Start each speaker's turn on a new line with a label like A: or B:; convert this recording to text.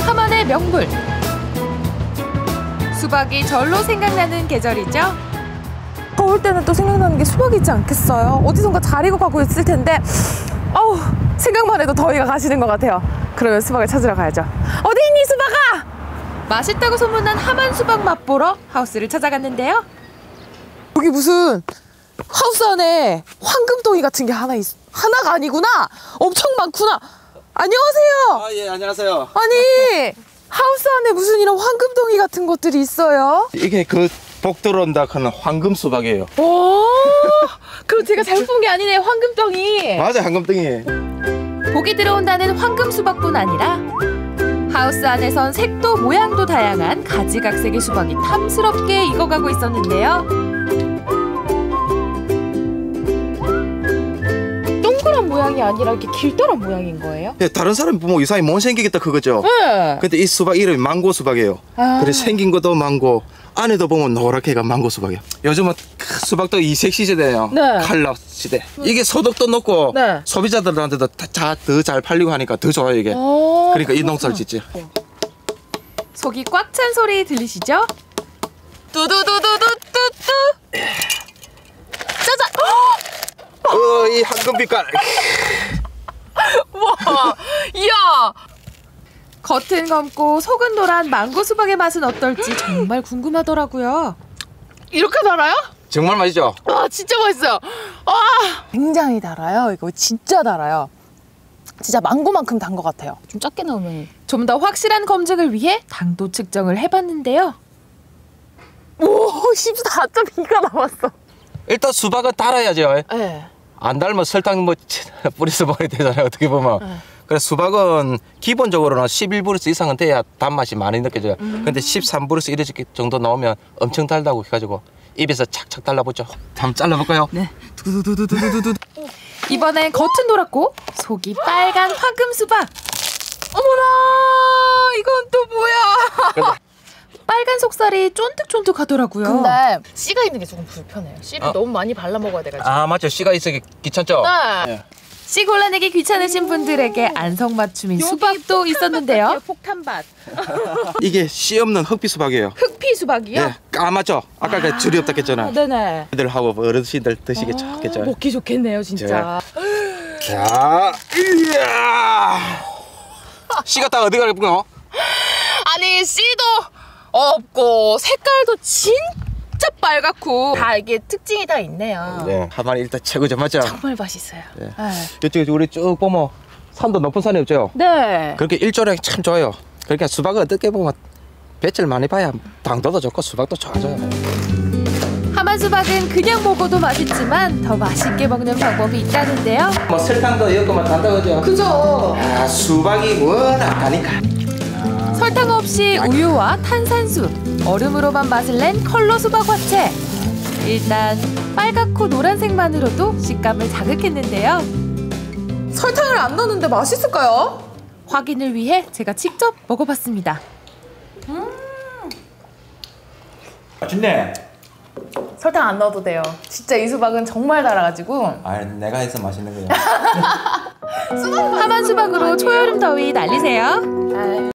A: 하만의 명물. 수박이 절로 생각나는 계절이죠.
B: 더울 때는 또 생각나는 게 수박이 있지 않겠어요? 어디선가 잘 익어가고 있을 텐데 어우, 생각만 해도 더위가 가시는 것 같아요. 그러면 수박을 찾으러 가야죠. 어디 있니, 수박아?
A: 맛있다고 소문난 하만 수박 맛보러 하우스를 찾아갔는데요.
B: 여기 무슨 하우스 안에 황금덩이 같은 게 하나가 아니구나. 엄청 많구나. 안녕하세요.
C: 아, 예, 안녕하세요.
B: 아니, 하우스 안에 무슨 이런 황금덩이 같은 것들이 있어요?
C: 이게 그 복 들어온다 하는 황금 수박이에요.
B: 오, 그럼 제가 잘못 본 게 아니네, 황금덩이.
C: 맞아, 황금덩이.
A: 복이 들어온다는 황금 수박뿐 아니라 하우스 안에선 색도 모양도 다양한 가지각색의 수박이 탐스럽게 익어가고 있었는데요.
B: 동그란 모양이 아니라 이렇게 길다란 모양인 거예요?
C: 예, 다른 사람이 보면 이상하게 못 생기겠다 그거죠?
B: 네.
C: 근데 이 수박 이름이 망고 수박이에요.
B: 아.
C: 그래 생긴 것도 망고, 안에도 보면 노랗게가 망고 수박이에요. 요즘은 수박도 이색 시대예요.
B: 네.
C: 칼라 시대. 이게 소득도 높고
B: 네.
C: 소비자들한테도 더 잘 팔리고 하니까 더 좋아요 이게.
B: 오,
C: 그러니까 이 농사를 짓지.
A: 속이 꽉 찬 소리 들리시죠?
B: 뚜두두두두뚜뚜. 짜잔.
C: 이 황금 빛깔.
B: 와, 이야.
A: 겉은 검고 속은 노란 망고 수박의 맛은 어떨지 정말 궁금하더라고요.
B: 이렇게 달아요?
C: 정말 맛있죠?
B: 와, 진짜 맛있어요. 와, 굉장히 달아요. 이거 진짜 달아요. 진짜 망고만큼 단 것 같아요. 좀 작게 나오면.
A: 좀 더 확실한 검증을 위해 당도 측정을 해봤는데요.
B: 오, 14.2가 나왔어.
C: 일단 수박은 달아야죠.
B: 네.
C: 안 달면 설탕 뭐 뿌려서 먹어야 되잖아요. 어떻게 보면. 그래서 수박은 기본적으로는 11브루스 이상은 돼야 단맛이 많이 느껴져요. 근데 13브루스 이렇게 정도 나오면 엄청 달다고 해가지고 입에서 착착 달라붙죠. 한번 잘라볼까요?
A: 네. 이번엔 겉은 노랗고 속이 빨간 황금 수박.
B: 어머나, 이건 또 뭐야?
A: 빨간 속살이 쫀득쫀득하더라고요.
B: 근데 씨가 있는 게 조금 불편해요. 씨를 너무 많이 발라 먹어야 돼가지고.
C: 아 맞죠. 씨가 있으기 귀찮죠?
B: 네.
A: 씨 골라내기 귀찮으신 분들에게 안성맞춤인 수박도 있었는데요.
B: 폭탄밭.
C: 이게 씨 없는 흑비 수박이에요.
B: 흑피 수박이요?
C: 네, 까맣죠? 아까 그 줄이 없다 했잖아요.
B: 네네.
C: 애들하고 어르신들 드시기 좋겠죠.
B: 먹기 좋겠네요, 진짜.
C: 자, 이야. 씨가 다 어디 가겠구나?
B: 아니, 씨도 없고 색깔도 진짜 빨갛고 다 이게 특징이 다 있네요.
C: 네, 하만 일단 최고죠, 맞죠?
B: 정말 맛있어요.
C: 네.
B: 네.
C: 이쪽에 우리 쭉 보면 산도 높은 산이 없죠?
B: 네.
C: 그렇게 일조량이 참 좋아요. 그러니까 수박을 어떻게 보면 배치를 많이 봐야 당도도 좋고 수박도 좋아져요.
A: 하만 수박은 그냥 먹어도 맛있지만 더 맛있게 먹는 방법이 있다는데요.
C: 뭐 설탕도 이것만 단다 그죠?
B: 그죠?
C: 아, 수박이 워낙 다니까.
A: 설탕 없이 우유와 탄산수, 얼음으로만 맛을 낸 컬러 수박 화채. 일단 빨갛고 노란색만으로도 식감을 자극했는데요.
B: 설탕을 안 넣었는데 맛있을까요?
A: 확인을 위해 제가 직접 먹어봤습니다.
D: 맛있네.
B: 설탕 안 넣어도 돼요. 진짜 이 수박은 정말 달아가지고.
D: 아, 내가 해서 맛있는 거야.
A: 하만 수박으로 초여름 더위 날리세요.